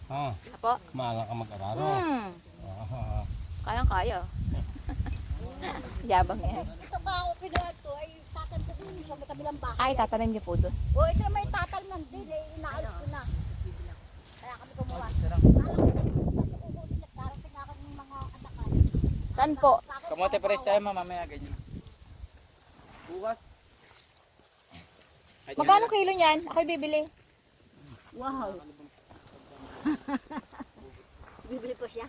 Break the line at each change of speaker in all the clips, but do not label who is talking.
Ha?
Apo?
Maaga ka mag-araro. Ah,
Kayang-kaya. Yabang yan.
Ito ka ako kinuha to ay tatal ko dun sa may kabilang bahay.
Ay, tatanim niyo po doon.
O ito na may tatal ng din eh, inaalis ko na. Kaya kami kumuha. Darating ako ng mga atakan.
Saan po?
Kamote pares tayo mamaya ganyan. Bukas.
Magkano kilo niyan? Ako'y bibili.
Wow. Bibili ko siya.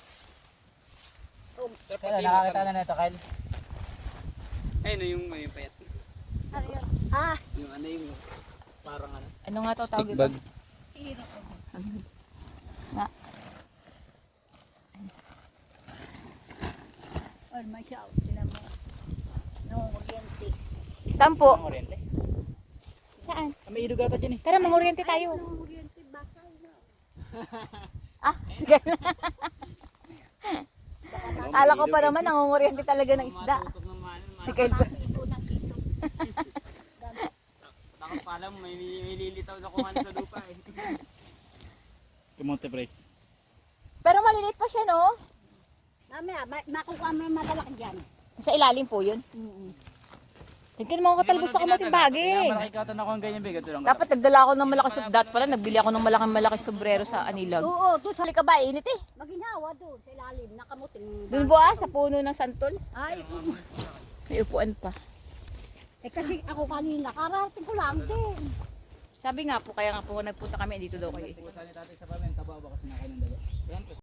Kaya nakakita na nito, Kyle. Ayun no, yung payat.
Ano yun? Ah,
Yung ano yung parang ano.
Ano nga to tawag
Stick
ito?
bag.
Nga.
oh my God. Tinan mo. Nangunguryente.
Saan po?
Ang oriente.
Saan?
May ilog ata dyan eh.
Tara, manguryente tayo.
Nangunguryente, basal na.
Ah, sige na. Akala ko pa naman, nangunguryente talaga ng isda.
Matusok ng manan.
Si Kyle pa.
Ito ng ito.
Takot pa alam, may lilitaw na kung ano sa lupa eh. Kamote pares.
Pero maliliit pa siya, no?
Mamaya, makukuha mo ng malalaki dyan.
Sa ilalim po yun. Tingnan mo ako katalbos sa kamuting bagay.
Malaki katan ako ang ganyan bigat lang.
Dapat nagdala ako ng malaki dat pala. Nagbili ako ng malaki sombrero sa Anilag.
Oo, doon sa
Hali ka ba? Init eh.
maginhawa doon sa ilalim, nakamuting.
Doon po sa puno ng santol.
Ay,
May upuan pa.
eh kasi ako kanina, karating ko lang din.
Sabi nga po, kaya nga po nagpunta kami dito daw kayo.
Pusa ni tatay sa pamen, taba ba kasi nakain ng dalo. Yan,